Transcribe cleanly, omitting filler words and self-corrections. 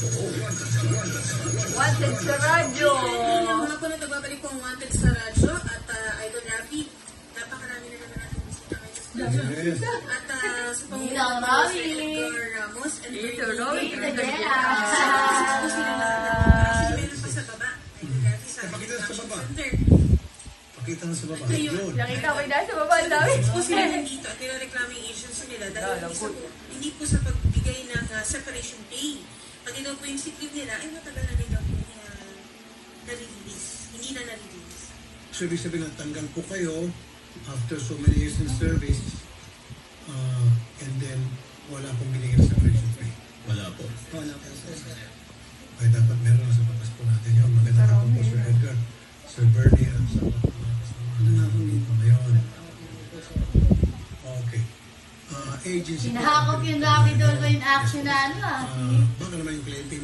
Wanted sa radyo. Ngayong hapon na nagbabalik po ang Wanted sa radyo at Idol Rafi, napakarami na naman natin bisita ngayon sa studio. At sa pangunawa po si Edgar Ramos and Ito, Roy. Actually, meron pa sa baba. Idol Rafi sa Pakita sa baba. Center. Pakita na sa baba. Ito yun. Yun. Nakita ko yung sa baba, ang dami. Po sila nandito at nilareklamo yung agency nila dahil hindi po sa pagbigay ng separation pay. Pati daw po yung sick leave nila, ay matagal na rin daw po na-release. Hindi na na-release. So, ibig sabihin na tanggal po kayo after so many years in service and then wala pong binigyan sa separation pay. Wala po. Wala po. Ay, dapat meron na sa patas po natin yun. Magandang hapon po, Sir Edgar, Sir Bernie, at sa mga kasama natin dito ngayon. Okay. Agency po. Hinahakot yung Rafi Dolphin action na ano Baka naman yung kliyente